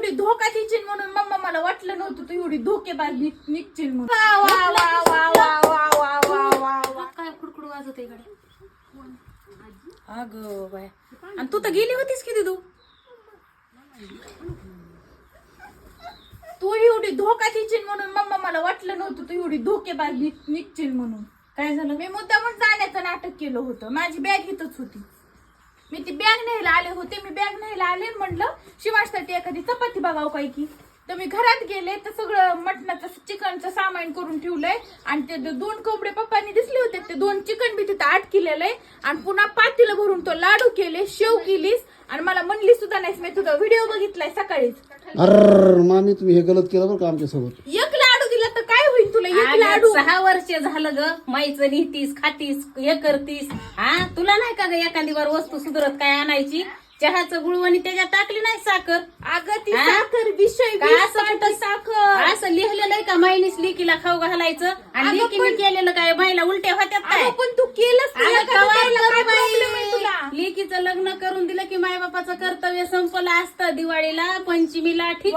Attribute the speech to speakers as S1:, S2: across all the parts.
S1: एवढी धोका देशील म्हणून मम्मा मला वाटलं नव्हतं तू एवढी धोकेबाज निघशील म्हणून.
S2: काय कुडकुड वाजत आहे इकडे.
S1: अगं बाय, आणि तू तर गेली होतीस किती तू एवढी धोका देशील म्हणून मम्मा मला वाटलं नव्हतं तू एवढी धोकेबाज निघशील म्हणून. काय झालं? मी मुद्दामून जाण्याचं नाटक केलं होतं. माझी बॅग इथंच होती, मी ती बॅग न्यायला आले होते. मी बॅग न्यायला आले म्हटलं शिवासाठी एखादी चपाती बघाव काय की. तर मी घरात गेले तर सगळं मटणाचं चिकनचं सामान करून ठेवलंय आणि ते 2 कोंबडे पप्पांनी दिसले होते, ते 2 चिकन बी तिथं 8 केलेलं आहे आणि पुन्हा पातीला भरून तो लाडू केले, शेव केलीस आणि मला म्हणली सुद्धा नाहीस. मी तुझा व्हिडिओ बघितलाय सकाळीच.
S3: अरे मामी तुम्ही हे गलत केलं बरं का आमच्यासोबत.
S1: एक लाडू दिला तर काय होईल तुला? एक लाडू
S2: 6 वर्ष झालं ग, माईचं निघतीस खातीस हे करतीस. हा तुला नाही का ग एखादी बार वस्तू सुधरत काय आणायची? चहाचं गुळवणी त्याच्यात टाकली नाही साखर.
S1: अगं ती साखर विषय साखर
S2: असं लिहिलेलं आहे का माईनीच लेकीला खाऊ घालायचं आणि लेकीने केलेलं काय माईला उलट्या होत्यात काय?
S1: पण तू केलंस
S2: लेकीचं लग्न करून दिलं की माय बापाचं कर्तव्य संपलं असतं. दिवाळीला पंचमीला ठीक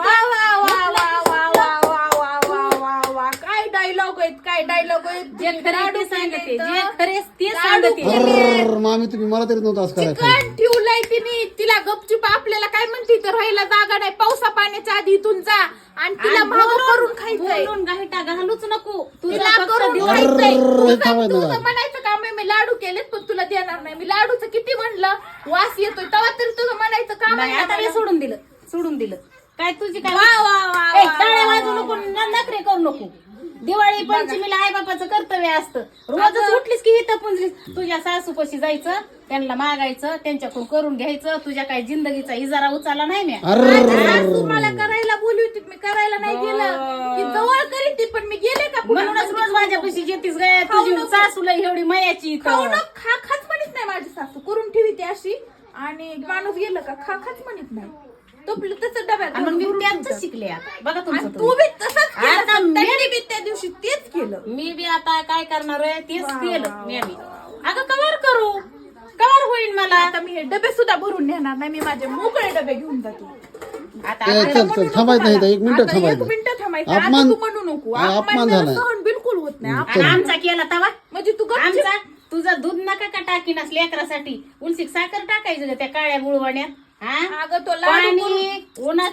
S1: काय डायलॉग आहेत, काय डायलॉग आहेत.
S2: जे खरे ते सांगते, जे खरे ते सांगते.
S3: अरे मामी तुम्ही मला तरी नव्हतं असं करायचं.
S1: चिकन ठेवलंय तिने, तिला गपचूप आपल्याला काय म्हणते तर राहायला जागा नाही, पावसा पाण्याच्या आधी इथून जा आणि तिला मागं करून खायचंय.
S2: बोलून गाहिटा घालूच नको.
S1: तुला करून खायचंय. तुझं म्हणायचं काम आहे मी लाडू केलेत पण तुला देणार नाही. मी लाडूचं किती म्हणलं वास येतोय तेव्हा तरी तुझं म्हणायचं काम
S2: नाही. आता मी सोडून दिलं काय तुझी काय
S1: वा.
S2: टाळ्या वाजवू नको, नखरे करू नको. दिवाळी पंचमीला आई बापाचं कर्तव्य असतं. रोजच उठलीस की इथं पुंजलीस. तुझ्या सासूपाशी जायचं, त्यांना मागायचं, त्यांच्याकडून करून घ्यायचं. तुझ्या काही जिंदगीचा इजारा उचलला नाही मी.
S1: सासू मला करायला बोलली होती, मी करायला नाही गेलं. ती जवळ करीत ती पण मी गेले का?
S2: म्हणूनच रोज माझ्यापाशी येतीस गे. तुझी सासूला एवढी मयाची
S1: खाच म्हणत नाही माझी सासू, करून ठेवी ती अशी आणि माणूस गेलं का खाच म्हणत नाही. तो तसं डब्यात
S2: मग मी त्यांचं शिकले आता. बघा तुमचं
S1: तू बी तसंच केलं. त्यांनी बी त्या दिवशी तेच केलं.
S2: मी बी आता काय करणार आहे तेच केलं मी. अगं कवर करू, कवर होईल मला.
S1: आता मी हे डबे सुद्धा भरून नेणार नाही, मी माझे मोकळे डबे घेऊन जातो.
S2: आता
S3: चल थांबायचं नाही, 1 मिनिट
S1: आता 1
S3: थांबायचं.
S1: मिनिट थांबायचं.
S3: अपमान-
S1: आता तू म्हणू नको.
S3: अपमान झालाय.
S1: सहन बिलकुल होत नाही.
S2: आणि आमचा केला तवा
S1: म्हणजे तू गपचूप-
S2: आमचा तुझा दूध नका का टाकीनास लेकरासाठी. उलसीक साखर टाकायचं ग त्या काळ्या गुळवण्यात.
S1: अगं तो लाडू
S2: पाणी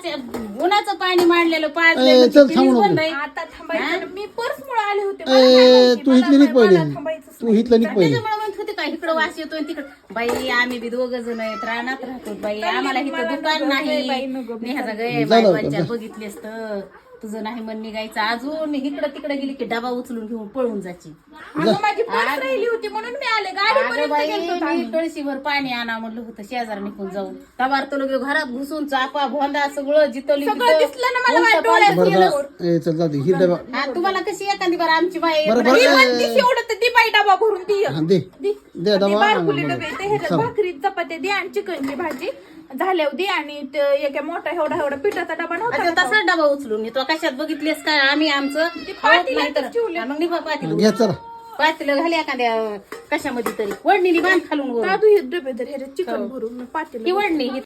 S2: उन्हाचं पाणी मांडलेलं
S3: चल,
S2: पाजलेलं
S3: थांबू नको.
S2: बंद आहे.
S1: आता थांबायचं. मी पर्स मुळे आले होते.
S3: तू इथली निघ पहिले,
S1: थांबायचं
S3: तू इथलं निघ पहिले.
S2: त्याच्यामुळे म्हणत होते का इकडं वास येतोय तिकडं. बाई आम्ही बी 2 जण आहेत, रानात राहतो बाई. आम्हाला इथं दुकान नाही. नेहाचा गय बाई बघितलेस तर तुझं नाही मन निघायचं. अजून इकडं तिकडे गेली की डबा उचलून घेऊन पळून जायची.
S1: माझी पर्स राहिली होती म्हणून मी आले. गाडी
S2: कळशीभर पाणी आणा म्हणलं होतं शेजार निघून जाऊन. तवार तो लोक घरात घुसून चापा भोंदा सगळं जितवली
S1: दिसलं ना मला माझ्या डोळ्यात.
S3: बरं चल जाऊ दे ही डबा.
S2: तुम्हाला कशी एखादी बार आमची बाई
S3: बरं
S1: एवढं तर ती बाई डबा भरून ती
S3: दे डबा.
S1: बारकुले डबे ते ह्याच्यात भाकरी चपात्या दे आणि चिकनची भाजी झाल्यावर दे आणि एका मोठा एवढा पिठाचा डबा नव्हता.
S2: तसा डबा उचलून तो कशात बघितलेस काय आम्ही आमचं नाही तर मग निभा
S3: घ्या चला.
S2: पातीलं घाली एखाद्या कशामध्ये तरी वडणीने बांध खालून वर.
S1: दादू हे डबे तर ह्याच्यात चिकन भरून पातेलं
S2: ही वडणी